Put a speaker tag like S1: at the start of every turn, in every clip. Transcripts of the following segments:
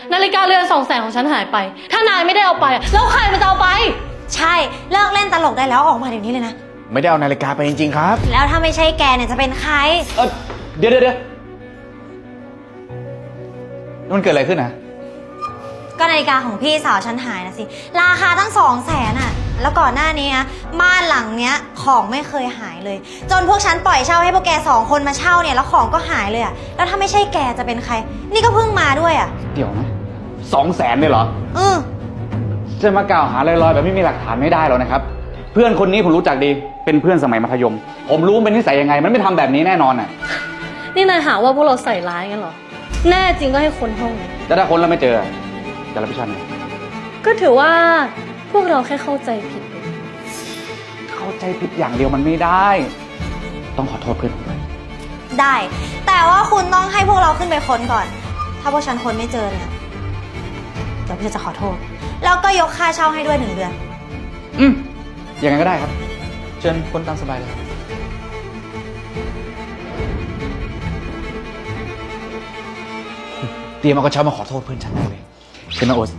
S1: นาฬิกาเรือน200,000ของฉันหายไป ถ้านายไม่ได้เอาไปแล้วใครมันจะเอาไป
S2: ใช่เลิกเล่นตลกได้แล้วออกมาเดี๋ยวนี้เลยนะ
S3: ไม่ได้เอานาฬิกาไปจริงๆครับ
S2: แล้วถ้าไม่ใช่แกเนี่ยจะเป็นใคร
S3: เดี๋ยวมันเกิดอะไรขึ้นนะ
S2: ก็นาฬิกาของพี่สาวฉันหายนะสิราคาตั้ง200,000อ่ะแล้วก่อนหน้านี้นะบ้านหลังเนี้ยของไม่เคยหายเลยจนพวกฉันปล่อยเช่าให้พวกแก2 คนมาเช่าเนี่ยแล้วของก็หายเลยอ่ะแล้วถ้าไม่ใช่แกจะเป็นใครนี่ก็เพิ่งมาด้วยอ่ะ
S3: เดี๋ยวนะ200,000เลยเหรอจะมากล่าวหาลอยๆแบบไม่มีหลักฐานไม่ได้หรอกนะครับเพื่อนคนนี้ผมรู้จักดีเป็นเพื่อนสมัยมัธยมผมรู้มันเป็นนิสัยยังไงมันไม่ทำแบบนี้แน่นอนอ่ะ
S1: นี่นายหาว่าพวกเราใส่ร้ายกันเหรอแน่จริงก็ให้คนห้อง
S3: แต่ถ้าคนเราไม่เจอจะรับผิดชอบไง
S1: ก็ถือว่าพวกเราแค่เข้าใจผิด
S3: เข้าใจผิดอย่างเดียวมันไม่ได้ต้องขอโทษเพื่อนผมด้วย
S2: ได้แต่ว่าคุณต้องให้พวกเราขึ้นไปค้นก่อนถ้าพวกฉันค้นไม่เจอเนี่ยเดี๋ยวพี่จะขอโทษแล้วก็ยกค่าเช่าให้ด้วย1 เดือน
S3: อย่างนั้นก็ได้ครับเชิญค้นตามสบายเลยเตรียมเอากระเช้ามาขอโทษเพื่อนฉันได้เลยเชิญมาโอ๊ต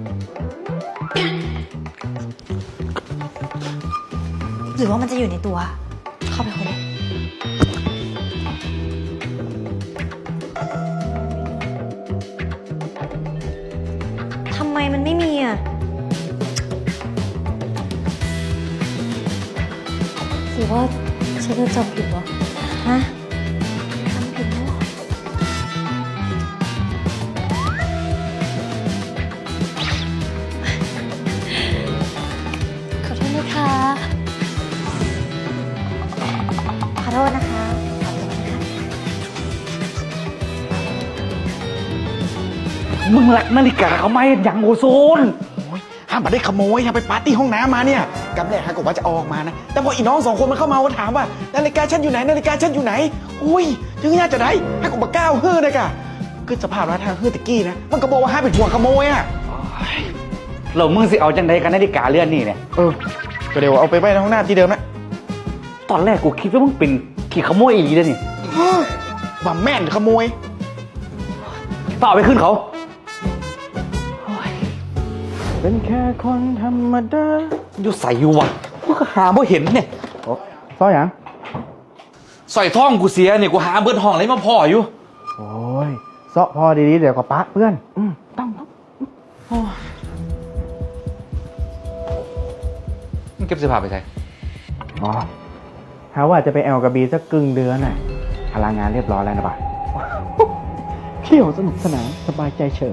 S2: หรือว่ามันจะอยู่ในตัวเข้าไปค้นเลยทำไมมันไม่มีอ่ะ
S1: หรือว่าฉันจะจำผิดวะ
S2: ฮะจำผิดแล้ว
S1: ขอโทษนะคะ
S2: ขอโทษนะคะขอโทษนะคะ
S3: มึงหลักนาฬิกาเขาไหมอย่างโอโซนห้ามมาได้ขโมยห้ามไปปาร์ตี้ห้องน้ำมาเนี่ยกำแรกฮะก็ว่าจะออกมานะแต่พออีน้อง2 คนมันเข้ามาถามว่านาฬิกาฉันอยู่ไหนนาฬิกาฉันอยู่ไหนอุ้ยถึงน่าจะได้ฮะก็มาก้าวฮื้อนะกะคือสภาพร้านทางฮื้อตะกี้นะมันก็บอกว่าห้ามเป็นห่วงขโมยอ่ะเรามึงสิเอาจังไดกันนาฬิกาเลื่อนนี่เนี่ยก็เดี๋ยวเอาไปไว้ในห้องน้ำที่เดิมนะตอนแรกกูคิดว่ามึงเป็นขี่ขโมยอีกแล้วนี่ว่าแม่นขโมยต่อไปขึ้นเขาเป็นแค่คนธรรมดาอยู่ใส่อยู่วะกูก็หาบ่เห็นเนี่ยซ่อยหยังใส่ท่องกูเสียเนี่ยกูหาเบิดห้องอะไรมาพ่ออยู่โอ้ยเซาะพอดีๆเดี๋ยวก็ปะเพื่อนต้องมึงเก็บเสื้อผ้าไปใส่หาว่าจะไปแอลกับบีสักครึ่งเดือนน่ะพลังงานเรียบร้อยแล้วนะบ่าเที่ยวสนุกสนานสบายใจเฉิบ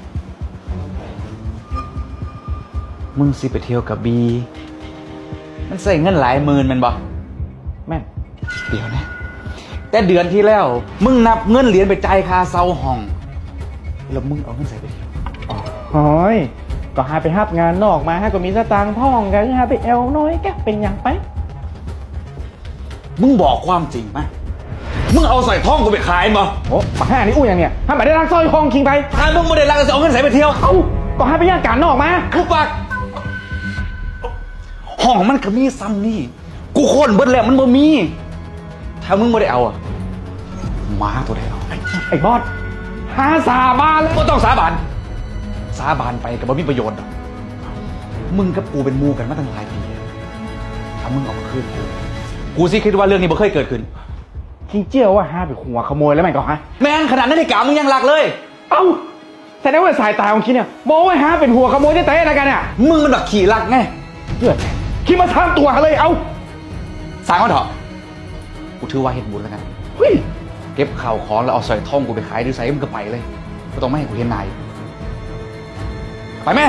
S3: มึงสิไปเที่ยวกับบีมันใส่เงินหลายหมื่นมันบ่แม่นเดี๋ยวนะแต่เดือนที่แล้วมึงนับเงินเหรียญไปจ่ายค่าเช่าห้องแล้วมึงเอาเงินใส่ไปเที่ยวโอ้ยก็หาไปฮับงานนอกมาให้ก็มีสตางค์พ่องกันหาไปแอลน้อยแกเป็นอย่างไปมึงบอกความจริงไหมมึงเอาใส่ท่องกูไปขายมั้งโอ้ปากห้านี่อู้อย่างเนี้ยถ้าไม่ได้รักสร้อยทองคิงไปถ้ามึงไม่ได้รักจะเอาเงินใส่ไปเที่ยวก็หาไปย่างการนอกมาคือปากห้องมันก็มีซ้ำนี่กูค้นเบิดแล้วมันบ่มีถ้ามึงไม่ได้เอาม้าตัวใดเอาไอ้บอสหาสาบานเลยก็ต้องสาบานไปกับบ่มีประโยชน์มึงกับกูเป็นมูกันมาตั้งหลายปีถ้ามึงเอามาคืนกูสิคิดว่าเรื่องนี้บ่เคยเกิดขึ้นคิงเจียวว่าหาไปหัวขโมยแล้วมันก็ฮะแม่งขนาดนั้นไอ้กามึงยังหลักเลยเอ้าแต่ได้ว่าสายตาของคิดเนี่ยมองว่าหาเป็นหัวขโมยได้แต่อะไรกันเนี่ยมึงมันแบบขี่หลักไงเพื่อนคิดมาทำตัวเลยเอาสางมันเถอะกูถือว่าเห็นบุญแล้วกันเก็บข่าวของแล้วเอาใส่ท่องกูไปขายดูใส่มึงก็ไปเลยก็ต้องไม่ให้กูเห็นนายไปแม่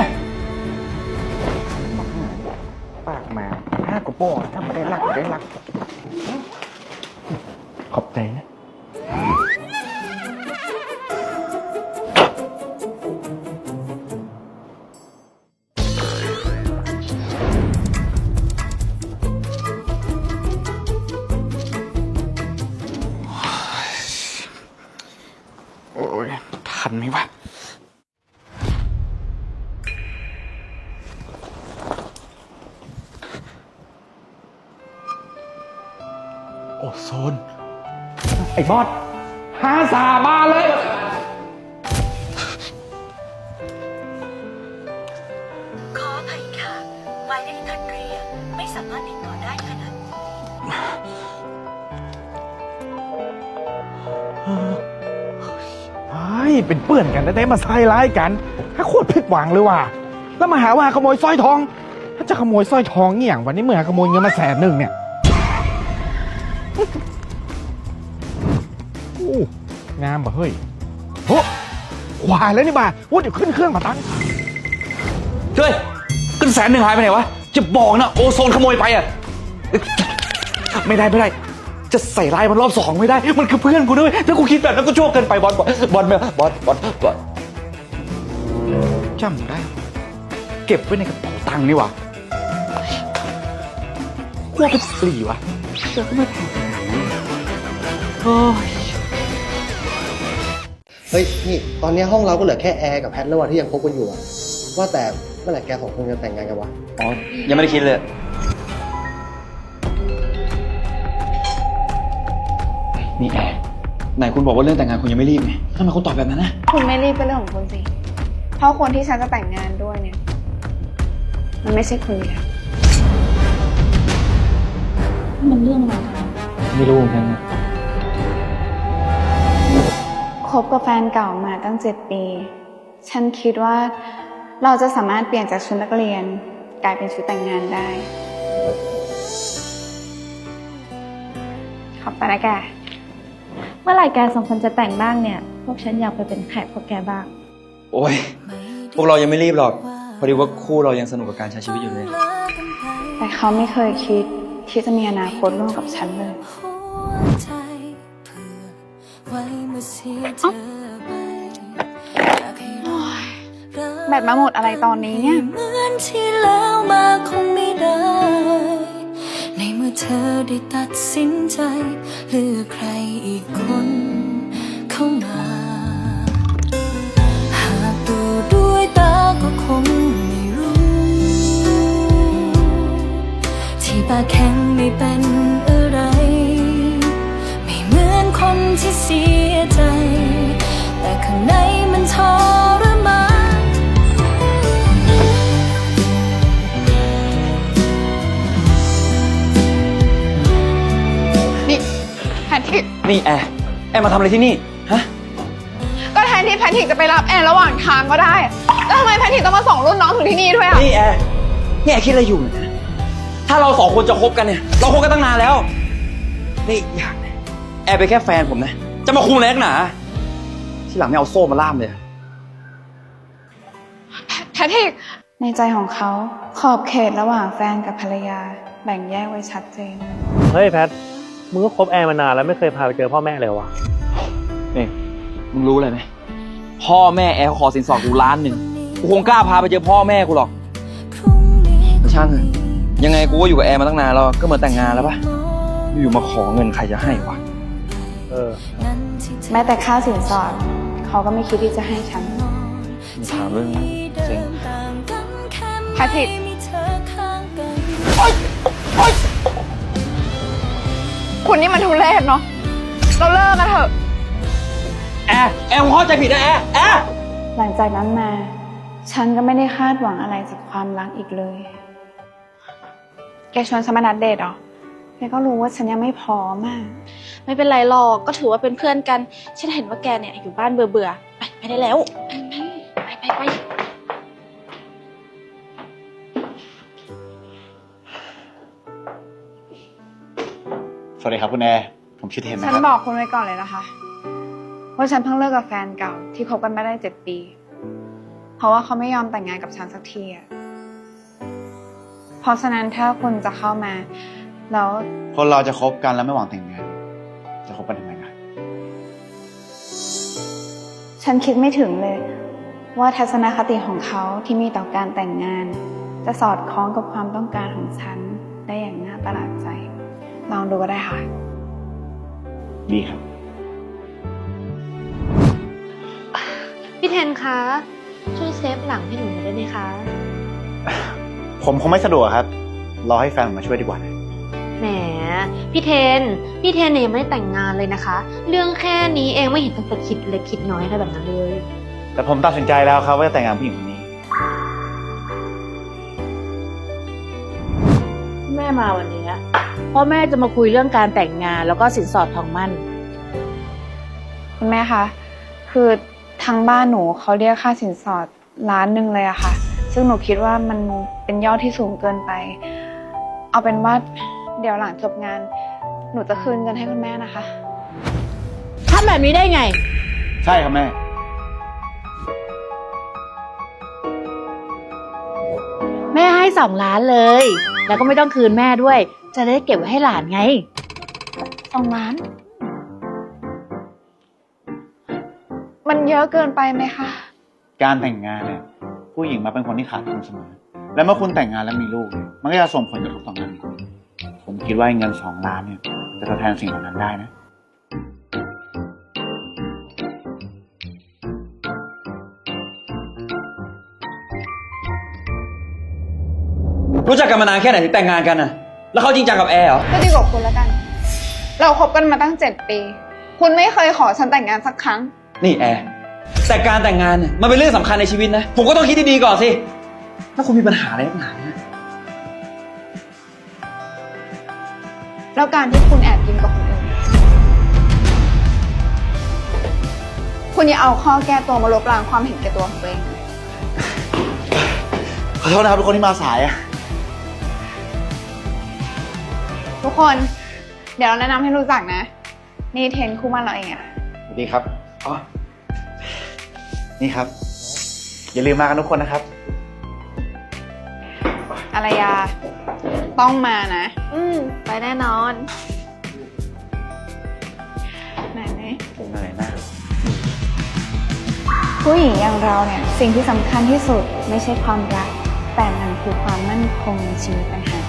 S3: ปากมาห้ากระโปงถ้าไม่ได้รักได้รักขอบใจนะโอ้ยทันไหมวะโอโซนไอ้บอสหาสาบานเลย
S2: สามารถติดต่อได้ขนาด
S4: เป็นเปื่อนกันแต่มาใส่ร้ายกันถ้าโคตรผิดหวังเลยว่ะแล้วมาหาว่าขโมยสร้อยทอง ถ้าจะขโมยสร้อยทองเงี้ยวันนี้เมื่อขโมยเงินมา100,000เนี่ยโอ้งามป่ะเฮ้ยโหควายแล้วนี่บ่าว่าเดี๋ยวขึ้นเครื่องมาตั้ง
S3: เฮ้ยขึ้น100,000หายไปไหนวะจะบอกนะโอโซนขโมยไปอ่ะไม่ได้จะใส่ร้ายมันรอบ2ไม่ได้มันคือเพื่อนกูด้วยถ้ากูคิดแบบนั้นก็ชั่วเกินไปบอลจำได้ เก็บไว้ในกระเป๋าตังค์นี่วะกลัวเป็นปลีวะเจอก็ไม่แพงโอ้ย
S5: เฮ้ยนี่ตอนนี้ห้องเราก็เหลือแค่แอร์กับแพทแล้วว่ะที่ยังคบกันอยู่อะว่าแต่เมื่อไหร่แก2 คนจะแต่งงานกันวะ
S3: อ๋อยังไม่ได้คิดเลยนี่แอร์ไหนคุณบอกว่าเรื่องแต่งงานคุณยังไม่รีบไงทำไมคุณตอบแบบนั้นนะ
S6: คุณไม่รีบเป็นเรื่องของคุณสิ เพราะคนที่ฉันจะแต่งงานด้วยเนี่ย มันไม่ใช่คุณอยู่แล้ว
S1: มันเรื่องอะไรกัน
S3: ไม่รู้เหมือนกัน
S6: คบกับแฟนเก่ามาตั้ง7 ปี ฉันคิดว่าเราจะสามารถเปลี่ยนจากชุดนักเรียนกลายเป็นชุดแต่งงานได้ ขอบคุณนะแก
S7: เมื่อไหร่แกสองคนจะแต่งบ้างเนี่ย พวกฉันอยากไปเป็นแขกพวกแกบ้าง
S8: โอ้ย พวกเรายังไม่รีบหรอก พอดีว่าคู่เรายังสนุกกับการใช้ชีวิตอยู่เลย
S6: แต่เขาไม่เคยคิดที่จะมีอนาคตร่วมกับฉันเลย แบตมาหมดอะไรตอนนี้เนี่ย
S9: เหมือนที่แล้วมาคงไม่ได้ ในเมื่อเธอได้ตัดสินใจเลือกใครอีกคนเข้ามา หากดูด้วยตาก็คงไม่รู้ ที่ปากแข็งไม่เป็นอะไร ไม่เหมือนคนที่เสียใจ แต่ข้างในมันทรมาน
S6: นี่แพทริก
S8: นี่แอร์มาทำอะไรที่นี่ ฮะ
S6: ก็แทนที่แพทริกจะไปรับแอนระหว่างทางก็ได้ แล้วทำไมแพทริกต้องมาส่งรุ่นน้องถึงที่นี่ด้วยอ่ะ
S8: นี่แอร์คิดอะไรอยู่เนี่ยถ้าเรา2 คนจะคบกันเนี่ย เราคบกันตั้งนานแล้ว นี่อีกอย่างนะแอร์เป็นแค่แฟนผมนะ จะมาคุมแรงหนาที่หลังไม่เอาโซ่มาล่ามเลย
S6: แพทริก ในใจของเขาขอบเขตระหว่างแฟนกับภรรยาแบ่งแยกไว้ชัดเจน
S10: เฮ้ยแพท มึงก็คบแอร์มานานแล้วไม่เคยพาไปเจอพ่อแม่เลยวะ
S8: นี่มึงรู้อะไรไหมพ่อแม่แอร์ขอสินสอดกู1,000,000กูคงกล้าพาไปเจอพ่อแม่กูหรอกแต่ช่างเถอะยังไงกูก็อยู่กับแอร์มาตั้งนานแล้วก็เหมือนแต่งงานแล้วปะอยู่มาขอเงินใครจะให้วะ
S10: เออ
S6: แม้แต่ค่าสินสอดเขาก็ไม่คิดที่จะให้ฉัน
S8: มีถามเรื่องเซ็ง
S6: แพทริก คุณนี่มันทุเรศเนาะ เราเลิกกันเถอะ
S8: แอร์ผมเข้าใจผิดนะแอร์
S6: หลังจากนั้นมา ฉันก็ไม่ได้คาดหวังอะไรจากความรักอีกเลย แกชวนฉันมานัดเดทเหรอ แกก็รู้ว่าฉันยังไม่พร้อมอ่ะ
S7: ไม่เป็นไรหรอก ก็ถือว่าเป็นเพื่อนกัน ฉันเห็นว่าแกเนี่ยอยู่บ้านเบื่อๆไปได้แล้ว ไป
S4: สวัสดีครับคุณแอร์ผมชื่อเทมนะ
S6: ฉัน
S4: ครับ
S6: บอกคุณไว้ก่อนเลยนะคะ ว่าฉันเพิ่งเลิกกับแฟนเก่าที่คบกันมาได้7 ปี เพราะว่าเขาไม่ยอมแต่งงานกับฉันสักทีอะเพราะฉะนั้นถ้าคุณจะเข้ามา แล้ว
S4: คนเราจะคบกันแล้วไม่หวังแต่งงานจะคบกันทำไมกัน
S6: ฉันคิดไม่ถึงเลย ว่าทัศนคติของเขาที่มีต่อการแต่งงาน จะสอดคล้องกับความต้องการของฉันได้อย่างน่าประหลาดใจ ลองดูก็ได้ค่ะ
S4: ดีครับ
S1: พี่เทนคะ ช่วยเซฟหลังให้หนูหน่อยได้ไหมคะ
S4: ผมคงไม่สะดวกครับ รอให้แฟนผมมาช่วยดีกว่านะ
S1: แหม พี่เทนเนี่ยยังไม่ได้แต่งงานเลยนะคะ เรื่องแค่นี้เองไม่เห็นต้องไปคิดเล็กคิดน้อยอะไรแบบนั้นเลย
S4: แต่ผมตัดสินใจแล้วครับว่าจะแต่งงานผู้หญิงคนนี้
S1: แม่
S7: มาวันนี้เพราะแม่จะมาคุยเรื่องการแต่งงานแล้วก็สินสอดทองมั่น
S6: คุณแม่คะ คือทางบ้านหนูเขาเรียกค่าสินสอด1,000,000เลยอะค่ะ ซึ่งหนูคิดว่ามันเป็นยอดที่สูงเกินไป เอาเป็นว่าเดี๋ยวหลังจบงาน หนูจะคืนเงินให้คุณแม่นะคะ
S7: ทำแบบนี้ได้ไง
S3: ใช่ครับแม่
S7: แม่ให้2 ล้านเลย แล้วก็ไม่ต้องคืนแม่ด้วย จะได้เก็บไว้ให้หลานไง
S6: 2 ล้าน มันเยอะเกินไปไหมคะ
S11: การแต่งงานเนี่ยผู้หญิงมาเป็นคนที่ขาดทุนเสมอ และเมื่อคุณแต่งงานแล้วมีลูกเนี่ยมันก็จะส่งผลกระทบต่องานคุณผมคิดว่าเงิน2 ล้านเนี่ยจะทดแทนสิ่งเหล่านั้นได้นะ
S8: รู้จักกันมานานแค่ไหนถึงแต่งงานกันน่ะ แล้วเขาจริงจังกับแอร์เหรอ
S6: ก็ดีกว่าคุณแล้วกัน เราคบกันมาตั้ง7 ปี คุณไม่เคยขอฉันแต่งงานสักครั้ง
S8: นี่แอร์แต่การแต่งงานเนี่ยมันเป็นเรื่องสำคัญในชีวิตนะ ผมก็ต้องคิดดีๆก่อนสิ ถ้าคุณมีปัญหาอะไรนักหนาเนี่ย
S6: แล้วการที่คุณแอบกินกับคนอื่น คุณอย่าเอาข้อแก้ตัวมาลบล้างความเห็นแก่ตัวของตัวเอง
S11: ขอโทษนะครับทุกคนที่มาสายอะ
S6: ทุกคน เดี๋ยวเราแนะนำให้รู้จักนะ นี่เทนคู่มั่นเราเองอะ
S11: สวัสดีครับอ๋อนี่ครับ อย่าลืมมากันทุกคนนะครับ
S6: อารยา ต้องมานะ
S1: ไปแน่นอน
S6: ไหนไหม
S11: ผมเหนื่อยมาก
S6: ผู้หญิงอย่างเราเนี่ย สิ่งที่สำคัญที่สุดไม่ใช่ความรัก แต่มันคือความมั่นคงในชีวิตต่างหาก